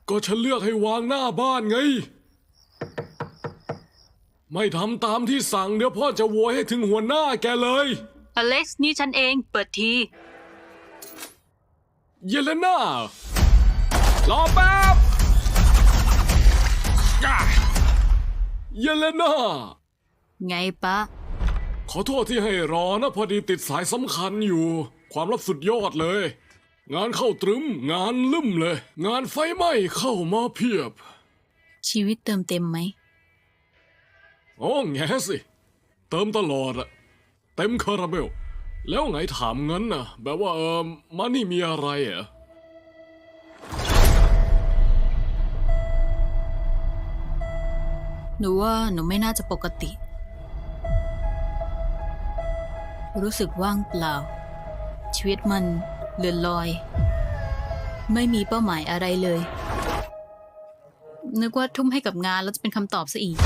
ก็ฉันเลือกให้วางหน้าบ้านไงไม่ทำตามที่สั่งเดี๋ยวพ่อจะโวยให้ถึงหัวหน้าแกเลยอเล็กซ์นี่ฉันเองเปิดทีเยเลน่ารอแป๊บเยเลน่าไงปะขอโทษที่ให้รอนะพอดีติดสายสำคัญอยู่ความลับสุดยอดเลยงานเข้าตรึมงานลืมเลยงานไฟไหม้เข้ามาเพียบชีวิตเติมเต็มไหมโอ้แง่สิเติมตลอดอะเต็มคาราเบลแล้วไงถามงั้นนะแบบว่ามานี่มีอะไรอะหนูว่าหนูไม่น่าจะปกติรู้สึกว่างเปล่าชีวิตมันเลื่อนลอยไม่มีเป้าหมายอะไรเลยนึกว่าทุ่มให้กับงานแล้วจะเป็นคำตอบซะอีก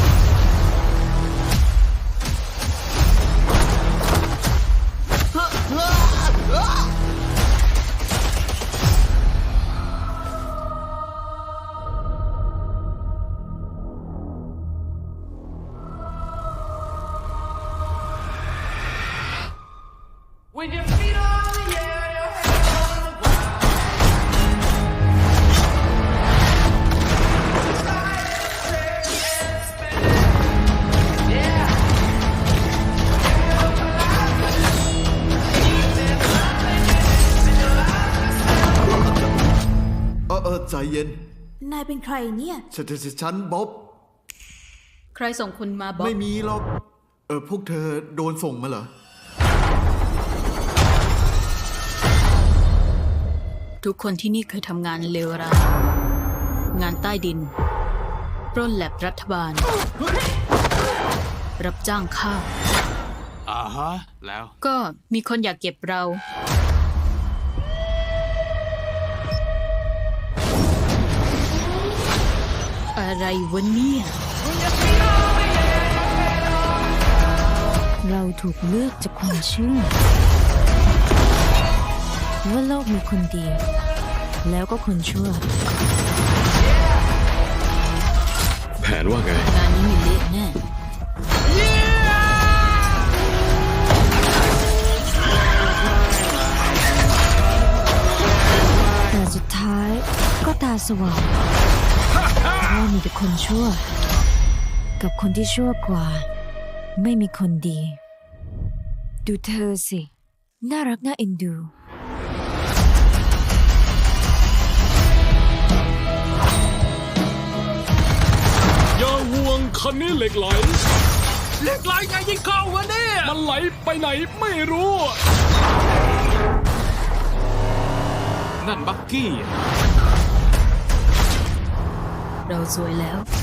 With your feet on the air, your head on the ground. Slide and shake and spin. Yeah. Feel alive. ใจเย็นนายเป็นใครเนี่ยฉันบ๊อบใครส่งคุณมาบ๊อบไม่มีหรอกพวกเธอโดนส่งมาเหรอทุกคนที่นี่เคยทำงานเลวร้ายงานใต้ดินปล้นแลบรัฐบาลรับจ้างฆ่าแล้วก็มีคนอยากเก็บเราอะไรวะเนี่ยเราถูกเลือกจากความเชื่อว่าโลกมีคนดีแล้วก็คนชั่วแผนว่าไงงานนี้มีเละแน่แต่สุดท้ายก็ตาสว่างว่ามีแต่คนชั่วกับคนที่ชั่วกว่าไม่มีคนดีดูเธอสิน่ารักน่าเอ็นดูอย่าห่วงคันนี้เหล็กไหลไงยิ่งเข้าวะเนี่ยมันไหลไปไหนไม่รู้นั่นบักกี้เราสวยแล้ว